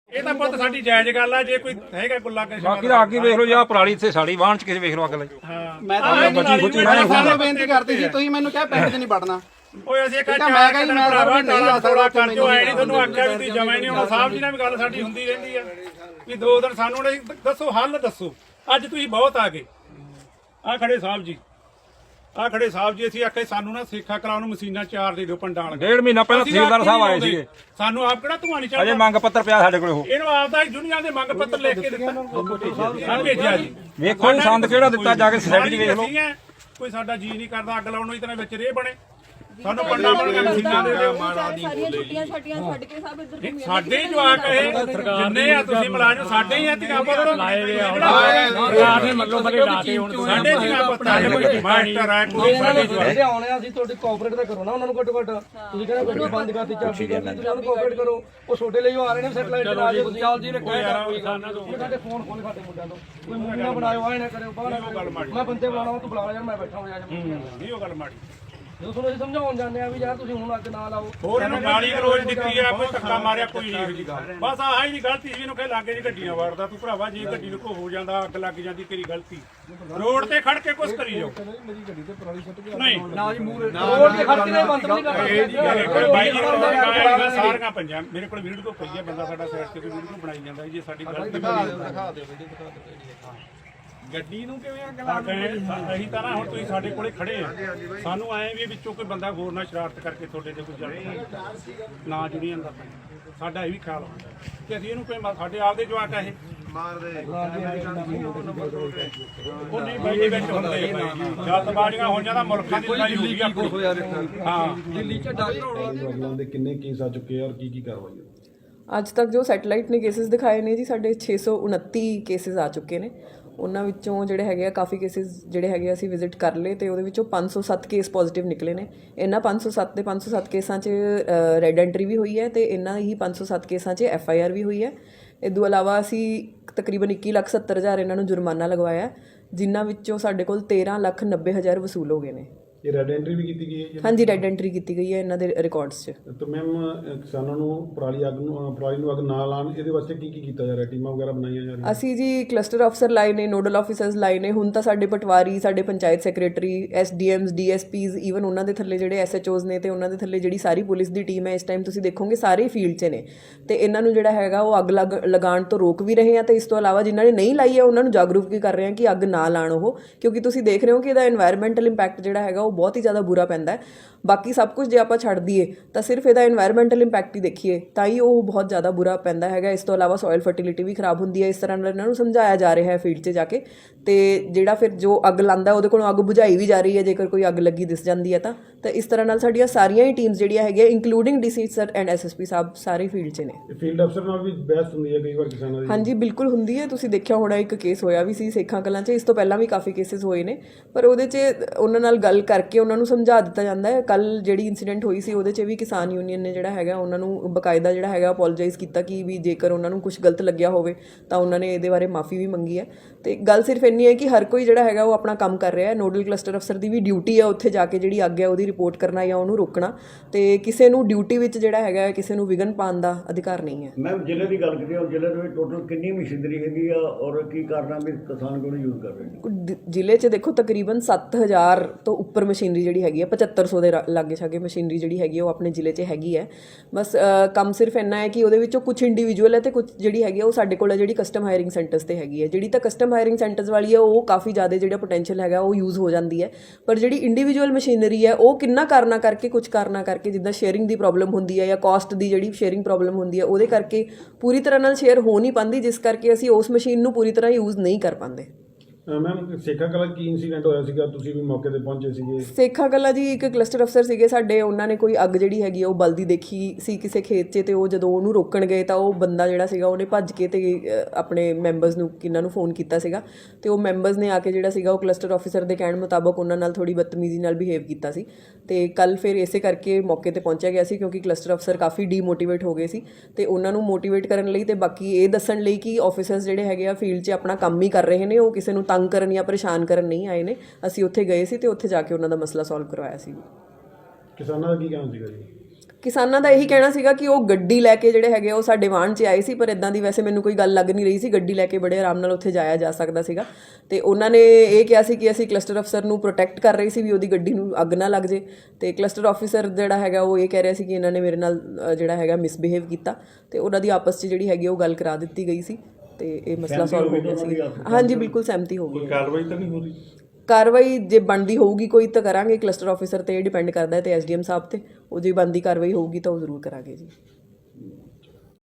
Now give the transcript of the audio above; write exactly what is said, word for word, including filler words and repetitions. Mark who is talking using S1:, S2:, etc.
S1: ਇਹ ਤਾਂ ਪੁੱਤ ਸਾਡੀ ਜਾਇਜ਼ ਗੱਲ ਆ ਜੇ ਕੋਈ ਹੈਗਾ ਕੋਈ ਲੱਗ
S2: ਬਾਕੀ ਦਾ ਅੱਗੇ ਵੇਖ ਲਓ ਜਾਂ ਪਰਾਲੀ ਇੱਥੇ ਸਾੜੀ ਵਾਹਣ ਚ ਕਿਸੇ ਵੇਖ ਲਓ ਅੱਗ ਲਈ।
S3: ਮੈਂ ਤਾਂ ਤੁਹਾਨੂੰ ਬੇਨਤੀ ਕਰਤੀ ਸੀ, ਤੁਸੀਂ ਮੈਨੂੰ ਕਿਹਾ ਪਿੰਡ 'ਚ ਨਹੀਂ ਵੜਨਾ।
S1: ਓਏ ਅਸੀਂ ਇੱਕ
S3: ਮੈਂ ਕਿਹਾ ਜੀ ਮੈਂ
S1: ਭਰਾਵਾ
S3: ਨਹੀਂ
S1: ਟਾਲਾ
S3: ਆ
S1: ਥੋੜਾ
S3: ਸਕਦਾ
S1: ਕਰ ਜੋ ਐ ਨਹੀਂ ਤੁਹਾਨੂੰ ਆਖਿਆ ਵੀ ਤੁਸੀਂ ਜਮਾ ਹੀ ਨਹੀਂ ਹੋਣਾ। ਸਾਹਿਬ ਜੀ ਨਾਲ ਵੀ ਗੱਲ ਸਾਡੀ ਹੁੰਦੀ ਰਹਿੰਦੀ ਆ ਵੀ ਦੋ ਦਿਨ ਸਾਨੂੰ ਨਹੀਂ ਦੱਸੋ ਹੱਲ ਦੱਸੋ। ਅੱਜ ਤੁਸੀਂ ਬਹੁਤ ਆ ਗਏ ਆ ਖੜੇ ਸਾਹਿਬ ਜੀ ਆ ਖੜੇ ਸਾਹਿਬ ਜੀ ਅਸੀਂ ਆਖੇ ਸਾਨੂੰ ਨਾ ਸੇਖਾ ਕਰਾਉਣ ਨੂੰ ਮਸ਼ੀਨਾਂ ਚਾਰ ਦੇ ਦਿਓ ਪੰਡਾਂ ਵਾਲੀਆਂ।
S2: ਡੇਢ ਮਹੀਨਾ ਪਹਿਲਾਂ ਤਹਿਸੀਲਦਾਰ ਸਾਹਿਬ ਆਏ ਸੀਗੇ,
S1: ਸਾਨੂੰ ਆਪ ਕਿਹੜਾ ਧੂਆਂ ਨਹੀਂ
S2: ਅਜੇ
S1: ਚੱਲਦਾ।
S2: ਮੰਗ ਪੱਤਰ ਪਿਆ ਸਾਡੇ ਕੋਲ। ਉਹ
S1: ਇਹਨੂੰ ਆਪਦਾ ਦੁਨੀਆ ਦੇ ਮੰਗ ਪੱਤਰ ਲਿਖ ਕੇ ਦਿੱਤਾ ਹਾਂ ਭੇਜਿਆ ਜੀ।
S2: ਵੇਖੋ ਜੀ ਸੰਦ ਕਿਹੜਾ ਦਿੱਤਾ ਜਾ ਕੇ ਸੋਸਾਇਟੀ ਵੇਖ ਲਓ।
S1: ਕੋਈ ਸਾਡਾ ਜੀ ਨਹੀਂ ਕਰਦਾ ਅੱਗ ਲਾਉਣ ਨੂੰ ਇਤਨੇ ਵਿੱਚ ਰੇ ਬਣੇ ਸਾਨੂੰ ਪੰਡਾ ਬਣ ਕੇ ਮਸ਼ੀਨਾਂ ਦੇ ਦਿਓ।
S4: ਸਾਰੀਆਂ ਛੁੱਟੀਆਂ ਛੱਟੀਆਂ ਛੱਡ ਕੇ ਸਭ ਇੱਧਰ ਘੁੰਮੀ
S1: ਸਾਡੇ ਹੀ ਜਵਾਕ ਇਹ ਜਿੰਨੇ ਆ ਤੁਸੀਂ ਮੁਲਾਜ਼ਮ ਸਾਡੇ ਹੀ ਆ ਧੀਆਂ ਪੁੱਤ ਲਾਏ ਵੇ
S5: ਸਰਕਾਰ ਨੇ ਮੱਲੋ ਮੱਲੇ ਲਾਤੇ ਹੁਣ
S1: ਸਾਡੇ ਧੀਆਂ ਪੁੱਤ ਆ ਮਾਸਟਰ ਆ ਕੋਈ ਸਾਡੇ ਜਵਾਕ
S5: ਆਉਣੇ ਅਸੀਂ ਤੁਹਾਡੇ ਕੋਆਪਰੇਟ ਤਾਂ ਕਰੋ ਨਾ ਉਹਨਾਂ ਨੂੰ ਘੱਟੋ ਘੱਟ। ਤੁਸੀਂ ਕਹਿੰਦੇ ਗੱਡੀ ਬੰਦ ਕਰਤੀ ਚਾਬੀ ਦੇ ਤੁਸੀਂ ਉਹਨੂੰ ਕੋਆਪਰੇਟ ਕਰੋ। ਉਹ ਛੋਟੇ ਲਈ ਆ ਰਹੇ ਨੇ ਸੈਟਲਾਈਟ ਤੇ ਆ ਜਾਓ ਤੁਸੀਂ ਚਾਲ ਜੀ ਰੱਖਿਆ ਯਾਰ ਸਾਡੇ ਫੋਨ ਖੋਲ ਸਾਡੇ ਮੁੰਡਿਆਂ ਤੋਂ ਕੋਈ ਮੂਵੀ ਨਾ ਬਣਾਇਓ ਆਏ ਨਾ ਕਰਿਓ ਬਾਹਰ ਮੈਂ ਬੰਦੇ ਬੁਲਾਉਣਾ ਤੂੰ ਬੁਲਾ ਯਾਰ ਮੈਂ ਬੈਠਾ ਹੋਇਆ ਜਾ
S1: ਨਹੀਂ ਉਹ ਗੱਲ ਮਾੜੀ
S5: ਜਦੋਂ ਤੁਹਾਨੂੰ ਅਸੀਂ ਸਮਝਾਉਣ ਜਾਂਦੇ ਆ ਵੀ ਯਾਰ ਤੁਸੀਂ ਹੁਣ ਅੱਗ ਨਾ ਲਾਓ।
S1: ਹੋਰ ਇਹਨੂੰ ਗਾਲੀ ਰੋਜ਼ ਦਿੱਤੀ ਆ ਕੋਈ ਧੱਕਾ ਮਾਰਿਆ ਕੋਈ ਨਹੀਂ ਜੀ ਗੱਲ ਬਸ ਆਹ ਹੀ ਨਹੀਂ ਗਲਤੀ ਸੀ ਇਹਨੂੰ ਕਹੇ ਲਾਗੇ ਜੀ ਗੱਡੀਆਂ ਵੜਦਾ ਤੂੰ ਭਰਾਵਾ ਜੇ ਗੱਡੀ ਨੂੰ ਕੋ ਹੋ ਜਾਂਦਾ ਅੱਗ ਲੱਗ ਜਾਂਦੀ ਤੇਰੀ ਗਲਤੀ ਰੋਡ ਤੇ ਖੜ ਕੇ ਕੁਛ ਕਰੀ ਜਾਓ। ਨਹੀਂ
S5: ਨਾ ਜੀ ਮੂਹਰੇ ਰੋਡ ਤੇ ਖੜ ਕੇ ਬੰਦ ਨਹੀਂ ਕਰਨਾ।
S1: ਬਾਈ ਜੀ ਕੋਲ ਸਾਰੀਆਂ ਪੰਜਾਂ ਮੇਰੇ ਕੋਲ ਵੀਡੀਓ ਪਈ ਹੈ ਬੰਦਾ ਸਾਡਾ ਸਾਈਡ ਤੇ ਵੀਡੀਓ ਬਣਾਈ ਜਾਂਦਾ ਜੇ ਸਾਡੀ ਗਲਤੀ
S3: ਦਿਖਾ ਦਿਓ ਵੀਡੀਓ ਦਿਖਾ ਦਿਓ
S1: ਗੱਡੀ ਨੂੰ ਕਿਵੇਂ ਅੱਗ ਲਾ ਅਸੀਂ ਤਾਂ ਨਾ ਹੁਣ ਤੁਸੀਂ ਸਾਡੇ ਕੋਲੇ ਖੜੇ ਆ ਸਾਨੂੰ ਆਏ ਵੀ ਵਿੱਚੋਂ ਕੋਈ ਬੰਦਾ ਹੋਰ ਨਾ ਸ਼ਰਾਰਤ ਕਰਕੇ ਤੁਹਾਡੇ ਤੇ ਕੋਈ ਜਲਦੀ ਨਾ ਜੁੜੀ ਜਾਂਦਾ ਸਾਡਾ ਇਹ ਵੀ ਖਿਆਲ ਹੁੰਦਾ ਕਿ ਅਸੀਂ ਇਹਨੂੰ ਕੋਈ ਸਾਡੇ ਆਪਦੇ ਜਵਾਕ ਆ ਇਹ ਮਾਰਦੇ ਉਹ ਨਹੀਂ ਬਾਈ ਦੇ ਵਿੱਚ ਹੁੰਦੇ ਜਲਦਬਾਜ਼ੀਆਂ ਹੋਈਆਂ ਤਾਂ ਮੁਲਕਾਂ ਦੀ ਲੜਾਈ ਹੋਈ ਆਪਣੀ। ਹਾਂ
S5: ਦਿੱਲੀ ਚ ਡਾਕਟਰ
S6: ਦੇ ਕਿੰਨੇ ਕੇਸ ਆ ਚੁੱਕੇ ਆ ਔਰ ਕੀ ਕੀ ਕਾਰਵਾਈ ਹੈ
S7: ਅੱਜ ਤੱਕ ਜੋ ਸੈਟੇਲਾਈਟ ਨੇ ਕੇਸਿਸ ਦਿਖਾਏ ਨੇ ਜੀ ਸਾਡੇ ਛੇ ਸੌ ਉਨੱਤੀ ਕੇਸਿਸ ਆ ਚੁੱਕੇ ਨੇ। ਉਹਨਾਂ ਵਿੱਚੋਂ ਜਿਹੜੇ ਹੈਗੇ ਆ ਕਾਫੀ ਕੇਸਿਸ ਜਿਹੜੇ ਹੈਗੇ ਅਸੀਂ ਵਿਜ਼ਿਟ ਕਰ ਲਏ ਅਤੇ ਉਹਦੇ ਵਿੱਚੋਂ ਪੰਜ ਸੌ ਸੱਤ ਕੇਸ ਪੋਜ਼ੀਟਿਵ ਨਿਕਲੇ ਨੇ। ਇਹਨਾਂ ਪੰਜ ਸੌ ਸੱਤ ਦੇ ਪੰਜ ਸੌ ਸੱਤ ਕੇਸਾਂ 'ਚ ਰੈੱਡ ਐਂਟਰੀ ਵੀ ਹੋਈ ਹੈ ਅਤੇ ਇਹਨਾਂ ਹੀ ਪੰਜ ਸੌ ਸੱਤ ਕੇਸਾਂ 'ਚ ਐਫ ਆਈ ਆਰ ਵੀ ਹੋਈ ਹੈ। ਇਸ ਤੋਂ ਇਲਾਵਾ ਅਸੀਂ ਤਕਰੀਬਨ ਇੱਕੀ ਲੱਖ ਸੱਤਰ ਹਜ਼ਾਰ ਇਹਨਾਂ ਨੂੰ ਜੁਰਮਾਨਾ ਲਗਵਾਇਆ ਜਿਨ੍ਹਾਂ ਵਿੱਚੋਂ ਸਾਡੇ ਕੋਲ ਤੇਰ੍ਹਾਂ ਲੱਖ ਨੱਬੇ ਹਜ਼ਾਰ ਵਸੂਲ ਹੋ ਗਏ ਨੇ।
S6: ਇਹ ਰੈੱਡ ਐਂਟਰੀ ਵੀ ਕੀਤੀ ਗਈ ਹੈ?
S7: ਹਾਂਜੀ ਰੈੱਡ ਐਂਟਰੀ ਕੀਤੀ ਗਈ ਹੈ ਇਹਨਾਂ ਦੇ ਰਿਕਾਰਡਸ 'ਚ।
S6: ਤਾਂ ਮੈਮ ਕਿਸਾਨਾਂ ਨੂੰ ਪਰਾਲੀ ਅੱਗ ਨੂੰ ਪਰਾਲੀ ਨੂੰ ਅੱਗ ਨਾ ਲਾਉਣ ਇਹਦੇ ਵਾਸਤੇ ਕੀ ਕੀ ਕੀਤਾ ਜਾ ਰਿਹਾ? ਟੀਮਾਂ ਵਗੈਰਾ ਬਣਾਈਆਂ ਜਾ ਰਹੀਆਂ?
S7: ਅਸੀਂ ਜੀ ਕਲਸਟਰ ਅਫਸਰ ਲਾਏ ਨੇ, ਨੋਡਲ ਆਫਿਸਰਸ ਲਾਏ ਨੇ। ਹੁਣ ਤਾਂ ਸਾਡੇ ਪਟਵਾਰੀ, ਸਾਡੇ panchayat secretary, S D Ms, D S Ps, even ਉਹਨਾਂ ਦੇ ਥੱਲੇ ਜਿਹੜੇ ਐਸ ਐਚ ਓਜ਼ ਨੇ ਅਤੇ ਉਹਨਾਂ ਦੇ ਥੱਲੇ ਜਿਹੜੀ ਸਾਰੀ ਪੁਲਿਸ ਦੀ ਟੀਮ ਹੈ ਇਸ ਟਾਈਮ ਤੁਸੀਂ ਦੇਖੋਗੇ ਸਾਰੇ ਫੀਲਡ 'ਚ ਨੇ ਅਤੇ ਇਹਨਾਂ ਨੂੰ ਜਿਹੜਾ ਹੈਗਾ ਉਹ ਅੱਗ ਲੱਗ ਲਗਾਉਣ ਤੋਂ ਰੋਕ ਵੀ ਰਹੇ ਆ ਅਤੇ ਇਸ ਤੋਂ ਇਲਾਵਾ ਜਿਨ੍ਹਾਂ ਨੇ ਨਹੀਂ ਲਾਈ ਹੈ ਉਹਨਾਂ ਨੂੰ ਜਾਗਰੂਕ ਵੀ ਕਰ ਰਹੇ ਹਾਂ ਕਿ ਅੱਗ ਨਾ ਲਾਉਣ ਉਹ, ਕਿਉਂਕਿ ਤੁਸੀਂ ਦੇਖ ਰਹੇ ਹੋ ਕਿ ਇਹਦਾ ਇਨਵਾਇਰਮੈਂਟਲ ਇੰਪੈਕਟ ਜਿਹੜਾ ਹੈਗਾ ਉਹ ਬਹੁਤ ਹੀ ਜ਼ਿਆਦਾ ਬੁਰਾ ਪੈਂਦਾ ਹੈ। ਬਾਕੀ ਸਭ ਕੁਝ ਜੇ ਆਪਾਂ ਛੱਡ ਦਈਏ ਤਾਂ ਸਿਰਫ ਇਹਦਾ ਇਨਵਾਇਰਮੈਂਟਲ ਇੰਪੈਕਟ ਹੀ ਦੇਖੀਏ ਤਾਂ ਹੀ ਉਹ ਬਹੁਤ ਜ਼ਿਆਦਾ ਬੁਰਾ ਪੈਂਦਾ ਹੈਗਾ। ਇਸ ਤੋਂ ਇਲਾਵਾ ਸੋਇਲ ਫਰਟੀਲਿਟੀ ਵੀ ਖਰਾਬ ਹੁੰਦੀ ਹੈ। ਇਸ ਤਰ੍ਹਾਂ ਨਾਲ ਇਹਨਾਂ ਨੂੰ ਸਮਝਾਇਆ ਜਾ ਰਿਹਾ ਹੈ ਫੀਲਡ 'ਚ ਜਾ ਕੇ ਅਤੇ ਜਿਹੜਾ ਫਿਰ ਜੋ ਅੱਗ ਲਾਉਂਦਾ ਉਹਦੇ ਕੋਲੋਂ ਅੱਗ ਬੁਝਾਈ ਵੀ ਜਾ ਰਹੀ ਹੈ ਜੇਕਰ ਕੋਈ ਅੱਗ ਲੱਗੀ ਦਿਸ ਜਾਂਦੀ ਹੈ ਤਾਂ ਤਾਂ ਇਸ ਤਰ੍ਹਾਂ ਨਾਲ ਸਾਡੀਆਂ ਸਾਰੀਆਂ ਹੀ ਟੀਮਸ ਜਿਹੜੀਆਂ ਹੈਗੀਆਂ including D C sir and S S P ਸਾਹਿਬ ਸਾਰੇ ਫੀਲਡ 'ਚ ਨੇ।
S6: ਫੀਲਡ ਅਫਸਰ ਨਾਲ ਵੀ ਬਹਿਸ ਹੁੰਦੀ ਹੈ ਕਈ ਵਾਰ ਕਿਸਾਨਾਂ ਦੀ?
S7: ਹਾਂਜੀ ਬਿਲਕੁਲ ਹੁੰਦੀ ਹੈ। ਤੁਸੀਂ ਦੇਖਿਆ ਹੋਣਾ ਇੱਕ ਕੇਸ ਹੋਇਆ ਵੀ ਸੀ ਸੇਖਾਂ ਕਲਾਂ 'ਚ। ਇਸ ਤੋਂ ਪਹਿਲਾਂ ਵੀ ਕਾਫੀ ਕੇਸਿਸ ਹੋਏ ਨੇ ਪਰ ਉਹਦੇ 'ਚ ਉਹਨਾਂ ਨਾਲ ਗੱਲ ਕਰਕੇ ਉਹਨਾਂ ਨੂੰ ਸਮਝਾ ਦਿੱਤਾ ਜਾਂਦਾ ਹੈ। ਕੱਲ੍ਹ ਜਿਹੜੀ ਇੰਸੀਡੈਂਟ ਹੋਈ ਸੀ ਉਹਦੇ 'ਚ ਵੀ ਕਿਸਾਨ ਯੂਨੀਅਨ ਨੇ ਜਿਹੜਾ ਹੈਗਾ ਉਹਨਾਂ ਨੂੰ ਬਕਾਇਦਾ ਜਿਹੜਾ ਹੈਗਾ ਅਪੋਲੋਜਾਈਜ਼ ਕੀਤਾ ਕਿ ਵੀ ਜੇਕਰ ਉਹਨਾਂ ਨੂੰ ਕੁਝ ਗਲਤ ਲੱਗਿਆ ਹੋਵੇ ਤਾਂ ਉਹਨਾਂ ਨੇ ਇਹਦੇ ਬਾਰੇ ਮਾਫੀ ਵੀ ਮੰਗੀ ਹੈ। ਅਤੇ ਗੱਲ ਸਿਰਫ ਇੰਨੀ ਹੈ ਕਿ ਹਰ ਕੋਈ ਜਿਹੜਾ ਹੈਗਾ ਉਹ ਆਪਣਾ ਕੰਮ ਕਰ ਰਿਹਾ ਹੈ। ਨੋਡਲ ਕਲਸਟਰ ਅਫਸਰ ਦੀ ਵੀ ਡਿਊਟੀ ਹੈ ਉੱਥੇ ਜਾ ਕੇ ਜਿਹੜੀ ਅੱਗ ਹੈ ਉਹਦੀ ਰਿਪੋਰਟ ਕਰਨਾ ਜਾਂ ਉਹਨੂੰ ਰੋਕਣਾ ਅਤੇ ਕਿਸੇ ਨੂੰ ਡਿਊਟੀ ਵਿੱਚ ਜਿਹੜਾ ਹੈਗਾ ਕਿਸੇ ਨੂੰ ਵਿਘਨ ਪਾਉਣ ਦਾ ਅਧਿਕਾਰ ਨਹੀਂ ਹੈ।
S8: ਮੈਮ ਜ਼ਿਲ੍ਹੇ ਦੀ ਗੱਲ ਕਰੀਏ ਜ਼ਿਲ੍ਹੇ ਦੇ ਵਿੱਚ ਟੋਟਲ ਕਿੰਨੀ ਮਸ਼ੀਨਰੀ ਹੈਗੀ ਆ ਔਰ ਕੀ ਕਾਰਨਾਂ ਵੀ ਕਿਸਾਨ ਕੋਲ ਯੂਜ਼ ਕਰ ਰਹੇ ਨੇ?
S7: ਜ਼ਿਲ੍ਹੇ 'ਚ ਦੇਖੋ ਤਕਰੀਬਨ ਸੱਤ ਹਜ਼ਾਰ ਤੋਂ ਉੱਪਰ ਮਸ਼ੀਨਰੀ ਜਿਹੜੀ ਹੈਗੀ ਹੈ ਪਝੱਤਰ ਸੌ ਦੇ ਲਾਗੇ ਛਾਗੇ ਮਸ਼ੀਨਰੀ ਜਿਹੜੀ ਹੈਗੀ ਉਹ ਆਪਣੇ ਜ਼ਿਲ੍ਹੇ 'ਚ ਹੈਗੀ ਹੈ। ਬਸ ਕੰਮ ਸਿਰਫ ਇੰਨਾ ਹੈ ਕਿ ਉਹਦੇ ਵਿੱਚੋਂ ਕੁਛ ਇੰਡੀਵਿਜੂਅਲ ਹੈ ਅਤੇ ਕੁਛ ਜਿਹੜੀ ਹੈਗੀ ਉਹ ਸਾਡੇ ਕੋਲ ਹੈ ਜਿਹੜੀ ਕਸਟਮ ਹਾਇਰਿੰਗ ਸੈਂਟਰਸ 'ਤੇ ਹੈਗੀ ਹੈ। ਜਿਹੜੀ ਤਾਂ ਕਸਟਮ ਹਾਇਰਿੰਗ ਸੈਂਟਰਸ ਵਾਲੀ ਹੈ ਉਹ ਕਾਫੀ ਜ਼ਿਆਦਾ ਜਿਹੜਾ ਪੋਟੈਂਸ਼ੀਅਲ ਹੈਗਾ ਉਹ ਯੂਜ਼ ਹੋ ਜਾਂਦੀ ਹੈ ਪਰ ਜਿਹੜੀ ਇੰਡੀਵਿਜੂਅਲ ਮਸ਼ੀਨਰੀ ਹੈ ਉਹ ਕਿੰਨਾ ਕਾਰਨਾਂ ਕਰਕੇ ਕੁਛ ਕਾਰਨਾਂ ਕਰਕੇ ਜਿੱਦਾਂ ਸ਼ੇਅਰਿੰਗ ਦੀ ਪ੍ਰੋਬਲਮ ਹੁੰਦੀ ਹੈ ਜਾਂ ਕਾਸਟ ਦੀ ਜਿਹੜੀ ਸ਼ੇਅਰਿੰਗ ਪ੍ਰੋਬਲਮ ਹੁੰਦੀ ਹੈ ਉਹਦੇ ਕਰਕੇ ਪੂਰੀ ਤਰ੍ਹਾਂ ਨਾਲ ਸ਼ੇਅਰ ਹੋ ਨਹੀਂ ਪਾਉਂਦੀ ਜਿਸ ਕਰਕੇ ਅਸੀਂ ਉਸ ਮਸ਼ੀਨ ਨੂੰ ਪੂਰੀ ਤਰ੍ਹਾਂ ਯੂਜ਼ ਨਹੀਂ ਕਰ ਪਾਉਂਦੇ।
S6: ਮੈਮ ਸੇਖਾ ਕਲਾਂ ਕੀ ਇਨਸੀਡੈਂਟ ਹੋਇਆ ਸੀਗਾ? ਤੁਸੀਂ ਵੀ ਮੌਕੇ ਤੇ ਪਹੁੰਚੇ ਸੀਗੇ?
S7: ਸੇਖਾ ਕਲਾਂ ਜੀ ਇੱਕ ਕਲਸਟਰ ਅਫਸਰ ਸੀਗੇ ਸਾਡੇ, ਉਹਨਾਂ ਨੇ ਕੋਈ ਅੱਗ ਜਿਹੜੀ ਹੈਗੀ ਉਹ ਬਲਦੀ ਦੇਖੀ ਸੀ ਕਿਸੇ ਖੇਤ 'ਚ ਅਤੇ ਉਹ ਜਦੋਂ ਉਹਨੂੰ ਰੋਕਣ ਗਏ ਤਾਂ ਉਹ ਬੰਦਾ ਜਿਹੜਾ ਸੀਗਾ ਉਹਨੇ ਭੱਜ ਕੇ ਅਤੇ ਆਪਣੇ ਮੈਂਬਰਸ ਨੂੰ ਕਿਹਨਾਂ ਨੂੰ ਫੋਨ ਕੀਤਾ ਸੀਗਾ ਅਤੇ ਉਹ ਮੈਂਬਰਸ ਨੇ ਆ ਕੇ ਜਿਹੜਾ ਸੀਗਾ ਉਹ ਕਲਸਟਰ ਆਫਿਸਰ ਦੇ ਕਹਿਣ ਮੁਤਾਬਕ ਉਹਨਾਂ ਨਾਲ ਥੋੜ੍ਹੀ ਬਦਤਮੀਜ਼ੀ ਨਾਲ ਬਿਹੇਵ ਕੀਤਾ ਸੀ ਅਤੇ ਕੱਲ੍ਹ ਫਿਰ ਇਸੇ ਕਰਕੇ ਮੌਕੇ 'ਤੇ ਪਹੁੰਚਿਆ ਗਿਆ ਸੀ ਕਿਉਂਕਿ ਕਲਸਟਰ ਅਫਸਰ ਕਾਫੀ ਡੀਮੋਟੀਵੇਟ ਹੋ ਗਏ ਸੀ ਅਤੇ ਉਹਨਾਂ ਨੂੰ ਮੋਟੀਵੇਟ ਕਰਨ ਲਈ ਅਤੇ ਬਾਕੀ ਇਹ ਦੱਸਣ ਲਈ ਕਿ ਆਫਿਸਰਸ ਜਿਹੜੇ ਹੈਗੇ ਆ ਫੀਲਡ 'ਚ ਆਪਣਾ ਕੰਮ ਹੀ ਕਰ ਰਹੇ ਨੇ, ਉਹ ਕਿਸੇ ਨੂੰ ਤੰਗ ਕਰਨ ਜਾਂ ਪਰੇਸ਼ਾਨ ਕਰਨ ਨਹੀਂ ਆਏ ਨੇ। ਅਸੀਂ ਉੱਥੇ ਗਏ ਸੀ ਅਤੇ ਉੱਥੇ ਜਾ ਕੇ ਉਹਨਾਂ ਦਾ ਮਸਲਾ ਸੋਲਵ ਕਰਵਾਇਆ ਸੀ।
S6: ਕਿਸਾਨਾਂ ਦਾ ਕੀ ਕਹਿਣਾ ਸੀਗਾ ਜੀ?
S7: ਕਿਸਾਨਾਂ ਦਾ ਇਹੀ ਕਹਿਣਾ ਸੀਗਾ ਕਿ ਉਹ ਗੱਡੀ ਲੈ ਕੇ ਜਿਹੜੇ ਹੈਗੇ ਉਹ ਸਾਡੇ ਵਾਹਣ 'ਚ ਆਏ ਸੀ, ਪਰ ਇਦਾਂ ਦੀ ਵੈਸੇ ਮੈਨੂੰ ਕੋਈ ਗੱਲ ਲੱਗ ਨਹੀਂ ਰਹੀ ਸੀ। ਗੱਡੀ ਲੈ ਕੇ ਬੜੇ ਆਰਾਮ ਨਾਲ ਉੱਥੇ ਜਾਇਆ ਜਾ ਸਕਦਾ ਸੀਗਾ। ਤੇ ਉਹਨਾਂ ਨੇ ਇਹ ਕਿਹਾ ਸੀ ਕਿ ਅਸੀਂ ਕਲਸਟਰ ਅਫਸਰ ਨੂੰ ਪ੍ਰੋਟੈਕਟ ਕਰ ਰਹੇ ਸੀ ਵੀ ਉਹਦੀ ਗੱਡੀ ਨੂੰ ਅੱਗ ਨਾ ਲੱਗ ਜੇ। ਤੇ ਕਲਸਟਰ ਆਫਿਸਰ ਜਿਹੜਾ ਹੈਗਾ ਉਹ ਇਹ ਕਹਿ ਰਿਹਾ ਸੀ ਕਿ ਇਹਨਾਂ ਨੇ ਮੇਰੇ ਨਾਲ ਅ, ਜਿਹੜਾ ਹੈਗਾ ਮਿਸਬਿਹੇਵ ਕੀਤਾ, ਤੇ ਉਹਨਾਂ ਦੀ ਆਪਸ 'ਚ ਜਿਹੜੀ ਹੈਗੀ ਉਹ ਗੱਲ ਕਰਾ ਦਿੱਤੀ ਗਈ ਸੀ ਤੇ ਇਹ ਮਸਲਾ ਸੋਲਵ ਹੋ ਗਿਆ ਸੀ। ਹਾਂਜੀ ਬਿਲਕੁਲ ਸਹਿਮਤੀ ਹੋ ਗਈ।
S6: ਕਾਰਵਾਈ ਤਾਂ ਨਹੀਂ ਹੋ ਰਹੀ?
S7: ਕਾਰਵਾਈ ਜੇ ਬਣਦੀ ਹੋਊਗੀ ਕੋਈ ਤਾਂ ਕਰਾਂਗੇ। ਕਲਸਟਰ ਆਫਿਸਰ ਤੇ ਇਹ ਡਿਪੈਂਡ ਕਰਦਾ ਹੈ ਤੇ ਐਸਡੀਐਮ ਸਾਹਿਬ ਤੇ, ਉਹ ਜੇ ਬਣਦੀ ਕਾਰਵਾਈ ਹੋਊਗੀ ਤਾਂ ਉਹ ਜ਼ਰੂਰ ਕਰਾਂਗੇ ਜੀ।